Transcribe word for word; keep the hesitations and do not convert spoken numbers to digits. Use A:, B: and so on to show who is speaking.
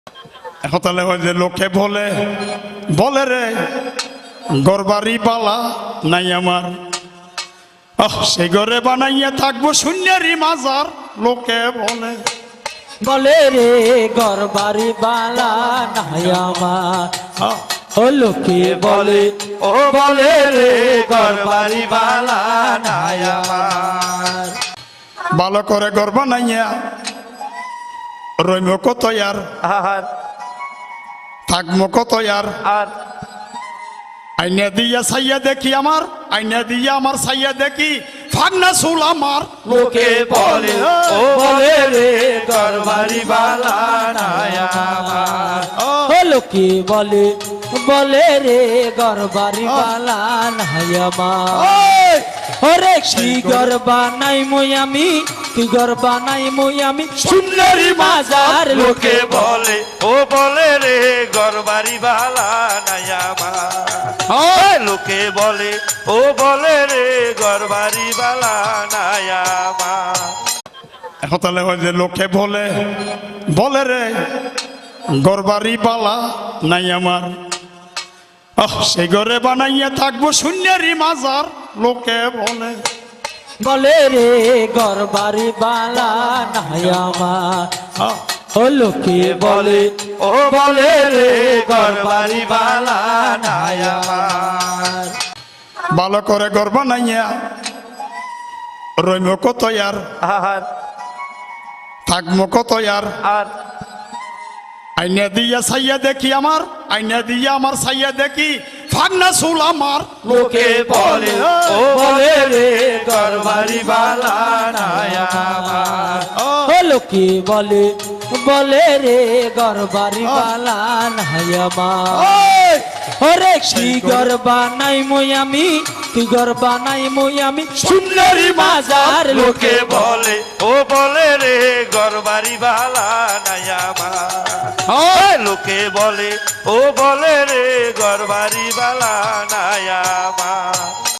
A: এখন তাহলে ওই যে লোকে বলে বলে রে গরবারি বালা নাই আমার, আহ সেই ঘরে বানাইয়া থাকবো শূন্যেরই মাজার। লোকে বলে
B: বলে রে গরবারি বালা নাই আমার, ও লোকে বলে
C: ও বলে রে গরবারি বালা নাই আমার।
A: ভালো করে ঘর বানাইয়া রইম কত আর
C: আর
A: থাকবো কত আর,
C: আর
A: আইনা দিয়া সাইয়া দেখি আমার, আইনা দিয়া আমার সাইয়া দেখি ফাগনা চুল আমার।
C: লোকে বলে ও বলে রে গরবারি বালা নাই আমার।
B: ও লোকে বলে বলে রে গরবারি বালা নাই আমার। ওরে কি গরবা নাই মই আমি, কি গরবা নাই মই আমি সুন্দরী মাজার।
C: লোকে বলে ও বলে রে গরবারি বালা নাই আমার। লোকে বলে ও বলে রে গরবারি বালা নাই আমার।
A: এখন তাহলে ওই যে লোকে বলে বলে রে গরবারি বালা নাই আমার, আহ সেই ঘরে বানাইয়া থাকবো শূন্যেরই মাজার। লোকে বলে
B: বলে রে গরবারি বালা নাই আমার।
A: আহ
B: ও লোকে বলে
C: ও বলে রে গরবারি বালা নাই আমার।
A: ভালো করে ঘর বানাইয়া রইম কত আর
C: আর
A: থাকবো কত আর,
C: আর
A: আইনা দিয়া সাইয়া দেখি আমার, আইনা দিয়া আমার সাইয়া দেখি ফাগনা চুল আমার।
C: লোকে বলে ও বলে রে গরবারি বালা নাই আমার।
B: ও লোকে বলে বলে রে গরবারি বালা নাই আমার। ওরে কি গরবা নাই মই আমি, কি গরবা নাই মই আমি সুন্দরী মাজার।
C: লোকে বলে ও বলে রে গরবারি বালা নাই আমার। লোকে বলে ও বলে রে গরবারি বালা নাই আমার।